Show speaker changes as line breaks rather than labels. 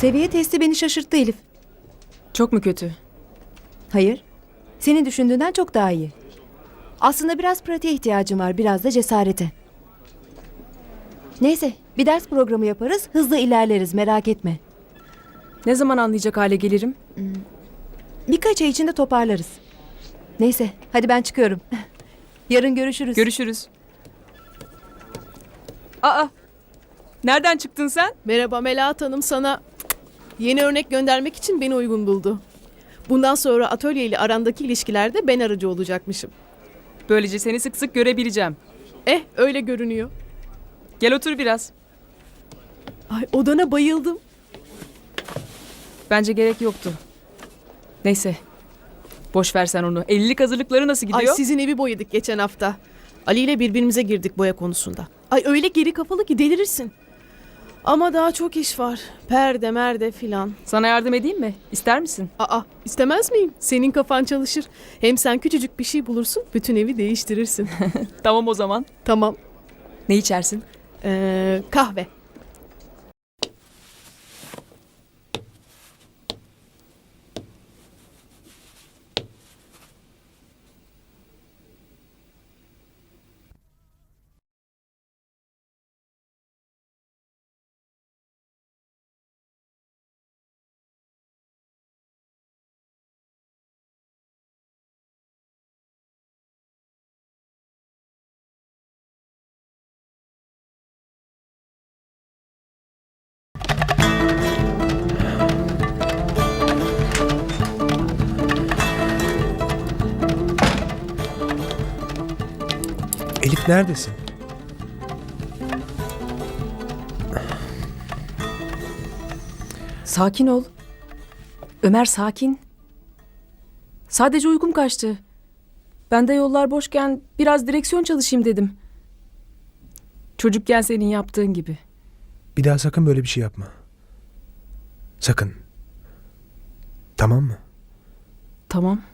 Seviye testi beni şaşırttı Elif.
Çok mu kötü?
Hayır. Senin düşündüğünden çok daha iyi. Aslında biraz pratiğe ihtiyacım var, biraz da cesarete. Neyse, bir ders programı yaparız, hızlı ilerleriz, merak etme.
Ne zaman anlayacak hale gelirim?
Birkaç ay içinde toparlarız. Neyse, hadi ben çıkıyorum. Yarın görüşürüz.
Görüşürüz. Aa! Nereden çıktın sen?
Merhaba Melahat Hanım, sana yeni örnek göndermek için beni uygun buldu. Bundan sonra atölye ile arandaki ilişkilerde ben aracı olacakmışım.
Böylece seni sık sık görebileceğim.
Öyle görünüyor.
Gel otur biraz.
Ay, odana bayıldım.
Bence gerek yoktu. Neyse. Boş ver sen onu. Evlilik hazırlıkları nasıl gidiyor?
Ay, sizin evi boyadık geçen hafta. Ali ile birbirimize girdik boya konusunda. Ay, öyle geri kafalı ki delirirsin. Ama daha çok iş var. Perde merde filan.
Sana yardım edeyim mi? İster misin?
İstemez miyim? Senin kafan çalışır. Hem sen küçücük bir şey bulursun, bütün evi değiştirirsin.
Tamam o zaman.
Tamam.
Ne içersin?
Kahve.
Elif neredesin?
Sakin ol. Ömer sakin. Sadece uykum kaçtı. Ben de yollar boşken biraz direksiyon çalışayım dedim. Çocukken senin yaptığın gibi.
Bir daha sakın böyle bir şey yapma. Sakın. Tamam mı?
Tamam.